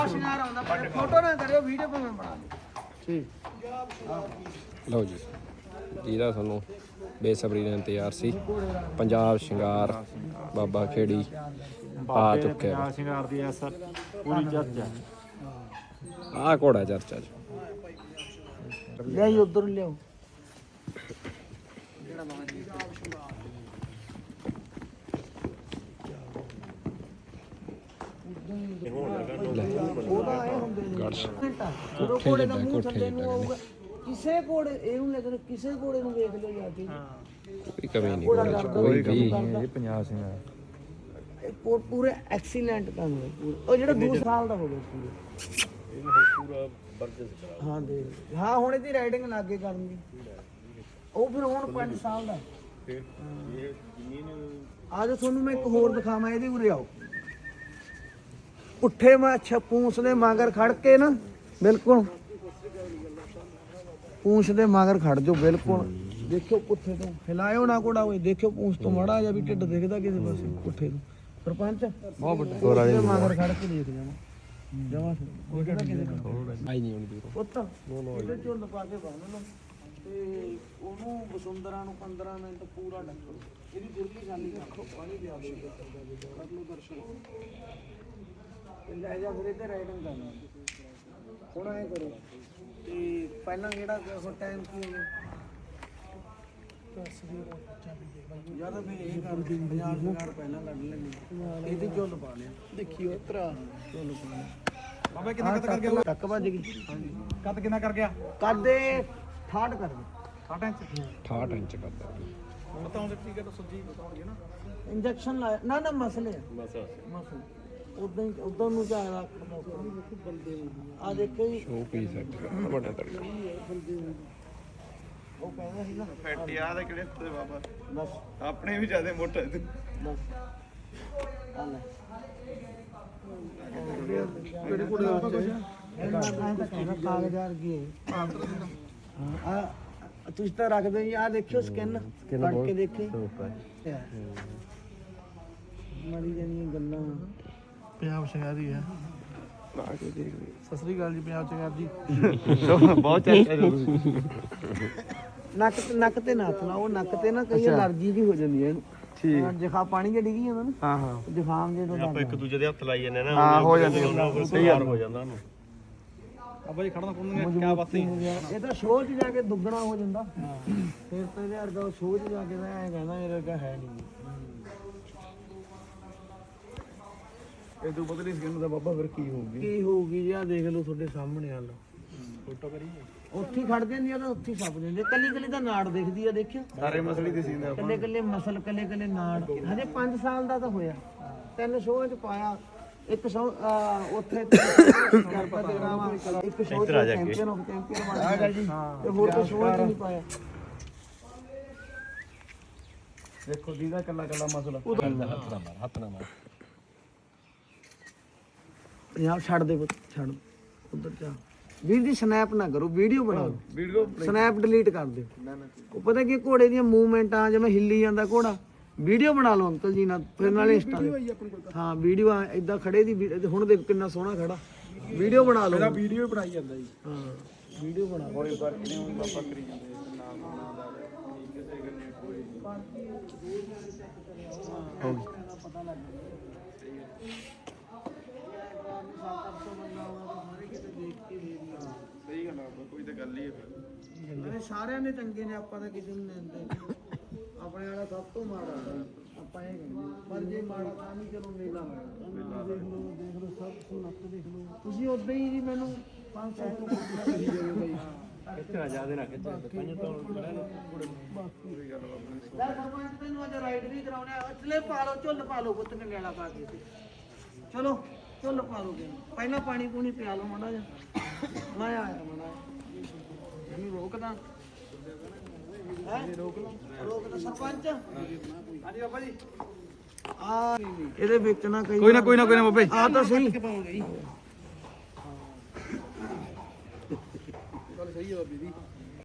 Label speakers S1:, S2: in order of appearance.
S1: ਸ਼ਿੰਗਾਰ ਆਉਂਦਾ ਪਰ ਫੋਟੋ ਨਾ ਕਰਿਓ ਵੀਡੀਓ ਭਾਵੇਂ ਬਣਾ ਲਓ ਠੀਕ
S2: ਲਓ ਜੀ ਜਿਹਦਾ ਤੁਹਾਨੂੰ ਬੇਸਬਰੀ ਨਾਲ ਇੰਤਜ਼ਾਰ ਸੀ ਪੰਜਾਬ ਸ਼ਿੰਗਾਰ ਬਾਬਾ ਖੇੜੀ ਆ ਚੁੱਕਿਆ
S3: ਸ਼ਿੰਗਾਰ ਦੀ ਐਸ ਪੂਰੀ ਚਰਚਾ
S2: ਆਹ ਘੋੜਾ ਚਰਚਾ ਚ
S1: ਲਿਆਈ ਉਧਰ ਲਿਆਓ
S2: ਗੜਸ਼
S1: ਜਦੋਂ ਘੋੜੇ ਦਾ ਮੂੰਹ ਥੱਲੇ ਨੂੰ ਆਊਗਾ ਕਿਸੇ ਘੋੜੇ ਇਹਨੂੰ ਲੇਕਿਨ ਕਿਸੇ ਘੋੜੇ ਨੂੰ ਵੇਖ ਲਿਓ ਜਾ ਕੇ
S2: ਕੋਈ ਕਮੀ ਨਹੀਂ ਘੋੜੇ ਚ ਕੋਈ ਵੀ
S3: ਇਹ 50 ਸ਼ਿੰਗਾਰ
S1: ਪੂਰੇ ਐਕਸੀਲੈਂਟ ਕੰਮ ਹੈ ਉਹ ਜਿਹੜਾ 2 ਸਾਲ ਦਾ ਹੋ ਗਿਆ
S3: ਪੂਰਾ ਬਰਜਸ
S1: ਹਾਂ ਦੇ ਹਾਂ ਹੁਣ ਇਹਦੀ ਰਾਈਡਿੰਗ ਲੱਗੇ ਕਰਨ ਦੀ ਉਹ ਫਿਰ ਹੁਣ 5 ਸਾਲ ਦਾ
S3: ਫਿਰ ਇਹ ਜ਼ਮੀਨ
S1: ਅੱਜ ਤੁਹਾਨੂੰ ਮੈਂ ਇੱਕ ਹੋਰ ਦਿਖਾਵਾਂ ਇਹਦੇ ਉਰੇ ਆਓ ਪੁੱਠੇ ਮਾ ਪੂੰਛ ਦੇ ਮਗਰ ਖੜ ਕੇ ਨਾ ਬਿਲਕੁਲ ਪੂੰਛ ਦੇ ਮਗਰ ਖੜ ਜਾਓ ਬਿਲਕੁਲ ਦੇਖਿਓ ਪੁੱਠੇ ਤੋਂ ਹਿਲਾਇਓ ਨਾ ਕੋੜਾ ਹੋਏ ਦੇਖਿਓ ਪੂੰਛ ਤੋਂ ਮਾੜਾ ਜਾਂ ਵੀ ਢਿੱਡ ਦਿਖਦਾ ਕਿਸੇ ਪਾਸੇ ਪੁੱਠੇ ਤੋਂ ਸਰਪੰਚ ਬਹੁਤ ਵੱਡਾ ਦੇ ਮਗਰ ਖੜ ਕੇ ਦੇਖ ਜਾਵਾਂ ਜਮਾ ਦੇਖਦਾ ਕਿਸੇ ਪਾਸੇ
S2: ਆਈ ਨਹੀਂ ਹੁਣ ਦੂਰੋਂ
S1: ਪੁੱਤ ਇਹਦੇ ਝੁੱਲ ਪਾ ਕੇ ਬੰਨ ਲਓ ਤੇ ਉਹਨੂੰ ਵਸੁੰਧਰਾ ਨੂੰ 15 ਮਿੰਟ ਪੂਰਾ ਢੱਕੋ ਇਹਦੀ ਦੁਰਲੀ ਖਾਲੀ ਰੱਖੋ ਪਾਣੀ ਪਿਆ ਦਿਓ ਕਰ ਲਓ ਦਰਸ਼ਨ ਲੈ ਜਾ ਫਿਰ ਇੱਥੇ ਰਾਈਡਿੰਗ ਕਰਨਾ ਹੁਣ ਐ ਕਰੋ ਤੇ ਪਹਿਲਾਂ ਕਿਹੜਾ ਟਾਈਮ ਕੀ ਹੋ ਗਿਆ ਯਾਰ ਫਿਰ ਇਹ ਕਰ 50 ਮਿੰਟ ਪਹਿਲਾਂ ਕੱਢ ਲੈਣੀ ਇਹਦੀ ਝੁੱਲ ਪਾ ਲਿਆ ਦੇਖਿਓ ਭਰਾ ਝੁੱਲ ਪਾ ਲਿਆ
S3: ਬਾਬਾ ਕਿੰਨਾ ਕੱਟ ਕਰ ਗਿਆ
S1: ਟੱਕ ਵੱਜ ਗਈ
S3: ਹਾਂਜੀ ਕੱਟ ਕਿੰਨਾ ਕਰ ਗਿਆ
S1: ਕਰਦੇ 68 ਕਰ ਦੇ
S3: 60 ਇੰਚ
S2: 68 ਇੰਚ ਕਰਦਾ
S3: ਬਤਾਉਂਦੇ ਠੀਕ ਹੈ ਤਾਂ ਸੱਜੀ ਬਤਾਉਣਗੇ ਨਾ
S1: ਇੰਜੈਕਸ਼ਨ ਲਾਇਆ ਨਾ ਨਾ ਮਸਲੇ
S3: ਬਸ
S1: ਮਸਲੇ ਉਦੋਂ ਨੂੰ ਜਾ ਰੱਖਦਾ ਬੰਦੇ ਆ ਦੇਖੋ ਜੀ
S2: ਸ਼ੋ ਪੀਸ ਹੈ ਵੱਡਾ ਤੜਕਾ
S1: ਉਹ ਕਹਿੰਦਾ ਸੀ ਨਾ
S3: ਫੈਟ ਯਾਦ ਹੈ ਕਿਹੜੇ ਤੇ ਬਾਬਾ
S1: ਬਸ
S3: ਆਪਣੇ ਵੀ ਜਿਆਦਾ ਮੋਟਾ ਤੂੰ
S1: ਬਸ ਆ ਲੈ
S3: ਕਿਹੜੇ ਕੋਲ ਆ
S1: ਕਾਗਜ਼ ਵਰਗੀ ਆ ਤੁਸੀਂ ਤਾਂ ਰੱਖਦੇ ਜੀ ਆ ਦੇਖਿਓ ਸਕਿਨ ਕੱਢ ਕੇ ਦੇਖੇ ਮਾਰੀ ਜਾਨੀਆਂ ਗੱਲਾਂ
S3: ਪੰਜਾਬ ਸ਼ਿੰਗਾਰੀ ਹੈ
S2: ਆ ਕੇ ਦੇਖ
S3: ਸਤਿ ਸ੍ਰੀ ਅਕਾਲ ਜੀ ਪੰਜਾਬ ਸ਼ਿੰਗਾਰ ਜੀ ਬਹੁਤ ਚਰਚਾ
S1: ਨੱਕ ਤੇ ਨਾ ਹੱਥ ਲਾਓ ਨੱਕ ਤੇ ਨਾ ਕਈ ਅਲਰਜੀ ਦੀ ਹੋ ਜਾਂਦੀ ਹੈ ਇਹਨੂੰ ਠੀਕ ਜਿਖਾ ਪਾਣੀ ਜੇ ਡਿੱਗੀ ਜਾਂਦਾ ਨਾ
S3: ਹਾਂ ਹਾਂ
S1: ਜ਼ੁਕਾਮ ਜੇ ਤੋਂ
S4: ਆਪਾਂ ਇੱਕ ਦੂਜੇ ਦੇ ਹੱਥ ਲਾਈ ਜਾਂਦੇ ਨਾ
S3: ਹਾਂ ਹੋ ਜਾਂਦੀ
S4: ਸਹੀ ਹੋ ਜਾਂਦਾ ਉਹਨੂੰ
S3: ਅੱਬਾ ਜੀ ਖੜਨਾ ਕੋਣ ਕਿਆ ਬਾਤ ਨਹੀਂ
S1: ਇਹ ਤਾਂ ਸ਼ੋਅ 'ਚ ਜਾ ਕੇ ਦੁੱਗਣਾ ਹੋ ਜਾਂਦਾ ਫਿਰ ਤਾਂ ਇਹਦੇ ਵਰਗਾ ਸ਼ੋਅ 'ਚ ਜਾ ਕੇ ਤਾਂ ਐਂ ਕਹਿੰਦਾ ਇਹਦੇ ਵਰਗਾ ਹੈ ਨਹੀਂ
S3: ਇਹ ਤੋਂ ਬਦਲੀ ਸਕਿਨ ਦਾ ਬਾਬਾ ਫਿਰ ਕੀ ਹੋਊਗੀ
S1: ਕੀ ਹੋਊਗੀ ਜੀ ਆ ਦੇਖ ਲਓ ਤੁਹਾਡੇ ਸਾਹਮਣੇ ਹਾਲ
S3: ਫੋਟੋ ਕਰੀਏ
S1: ਉੱਥੇ ਖੜ ਜਾਂਦੀ ਆ ਤਾਂ ਉੱਥੇ ਛੱਪ ਜਾਂਦੇ ਕੱਲੀ ਕੱਲੀ ਤਾਂ ਨਾੜ ਦਿਖਦੀ ਆ ਦੇਖਿਓ
S3: ਸਾਰੇ ਮਸਲੀ ਦੇ ਸੀਨ
S1: ਕੱਲੇ ਕੱਲੇ ਮਸਲ ਕੱਲੇ ਕੱਲੇ ਨਾੜ ਹਜੇ 5 ਸਾਲ ਦਾ ਤਾਂ ਹੋਇਆ 3 ਸ਼ੋਅ 'ਚ ਪਾਇਆ ਇੱਕ ਸ਼ੋਅ ਉੱਥੇ ਗਰਭਾ ਕਰਾਵਾ ਇੱਕ ਸ਼ੋਅ 'ਚ ਚੈਂਪੀਅਨ ਆਫ ਚੈਂਪੀਅਨ ਬਣ ਗਿਆ ਜੀ ਤੇ ਹੋਰ ਕੋਈ ਸ਼ੋਅ 'ਚ ਨਹੀਂ ਪਾਇਆ
S3: ਦੇਖੋ ਦੀਦਾ ਕੱਲਾ ਕੱਲਾ ਮਸਲਾ
S2: ਹੱਥ ਨਾ ਮਾਰ
S1: ਯਾਰ ਛੱਡ ਦੇ ਪੁੱਤ ਛੱਡ ਉਧਰ ਜਾ ਵੀਰ ਦੀ ਸਨੈਪ ਨਾ ਕਰੋ ਵੀਡੀਓ ਬਣਾਓ
S3: ਵੀਡੀਓ
S1: ਸਨੈਪ ਡਿਲੀਟ ਕਰ ਦਿਓ ਉਹ ਪਤਾ ਕੀ ਘੋੜੇ ਦੀਆਂ ਮੂਵਮੈਂਟਾਂ ਜਿਵੇਂ ਹਿੱਲੀ ਜਾਂਦਾ ਘੋੜਾ ਵੀਡੀਓ ਬਣਾ ਲਓ ਅੰਕਲ ਜੀ ਨਾਲ ਫਿਰ ਨਾਲੇ ਇੰਸਟਾ ਤੇ ਹਾਂ ਵੀਡੀਓ ਇਦਾਂ ਖੜੇ ਦੀ ਹੁਣ ਦੇਖ ਕਿੰਨਾ ਸੋਹਣਾ ਖੜਾ ਵੀਡੀਓ ਬਣਾ ਲਓ
S3: ਮੇਰਾ ਵੀਡੀਓ ਬਣਾਈ ਜਾਂਦਾ ਜੀ
S1: ਹਾਂ ਵੀਡੀਓ ਬਣਾ ਲਓ
S3: ਕੋਈ ਫਰਕ ਨਹੀਂ ਹੁਣ ਬਾਬਾ ਕਰੀ ਜਾਂਦੇ ਨਾਮ ਨਾਮ ਦਾ ਕਿਸੇ ਗੱਲੇ ਕੋਈ
S1: ਹੋ ਗਈ ਪਤਾ ਲੱਗ ਗਿਆ
S3: ਸਹੀ ਗੱਲ ਆ ਕੋਈ ਤਾਂ ਗੱਲ ਹੀ ਹੈ
S1: ਸਾਰਿਆਂ ਨੇ ਚੰਗੇ ਨੇ ਆਪਾਂ ਤਾਂ ਕਿਸੇ ਨੂੰ ਲੈਂਦੇ ਆਪਣੇ ਵਾਲਾ ਸਭ ਤੋਂ ਮਾੜਾ ਆਪਾਂ ਇਹ ਕਹਿੰਦੇ ਪਰ ਜੇ ਮਾੜਾ ਤਾਂ ਨਹੀਂ ਚਲੋ ਮੇਲਾ ਦੇਖ ਲਓ ਸਭ ਸੁਨੱਤ ਦੇਖ ਲਓ ਤੁਸੀਂ ਉਦਾਂ ਹੀ ਜੀ ਮੈਨੂੰ 500 ਤੋਂ ਕਹੀ ਜਾਓ ਬਾਈ
S3: ਕਿੱਥੇ ਜਿਆਦਾ ਨਾ ਕਿੱਥੇ ਪੰਜ ਤੋਂ ਬੜਾ ਨੇ
S1: ਲੈ ਸਰਪੰਚ ਤੈਨੂੰ ਅੱਜ ਰਾਈਡ ਵੀ ਕਰਾਉਣਾ ਚਲੇ ਪਾ ਲਓ ਝੁੱਲ ਪਾ ਲਓ ਪੁੱਤ ਨੇ ਲੈਣਾ ਪਾ ਕੇ ਚਲੋ ਝੁੱਲ ਪਾ ਲਓ ਪਹਿਲਾਂ ਪਾਣੀ ਪੂਣੀ ਪਿਆ ਲਓ ਮਾੜਾ ਜਿਹਾ ਮੈਂ ਆਇਆ ਮਾੜਾ ਇਹਨੂੰ ਰੋਕਦਾ ਰੋਕਦਾ ਸਰਪੰਚ
S3: ਹਾਂਜੀ ਬਾਬਾ ਜੀ
S1: ਆ ਇਹਦੇ ਵਿੱਚ ਨਾ ਕਈ
S3: ਕੋਈ ਨਾ ਬਾਬੇ
S1: ਆ ਤਾਂ ਸਹੀ
S3: ਗੱਲ ਸਹੀ ਹੈ ਬਾਬੀ ਦੀ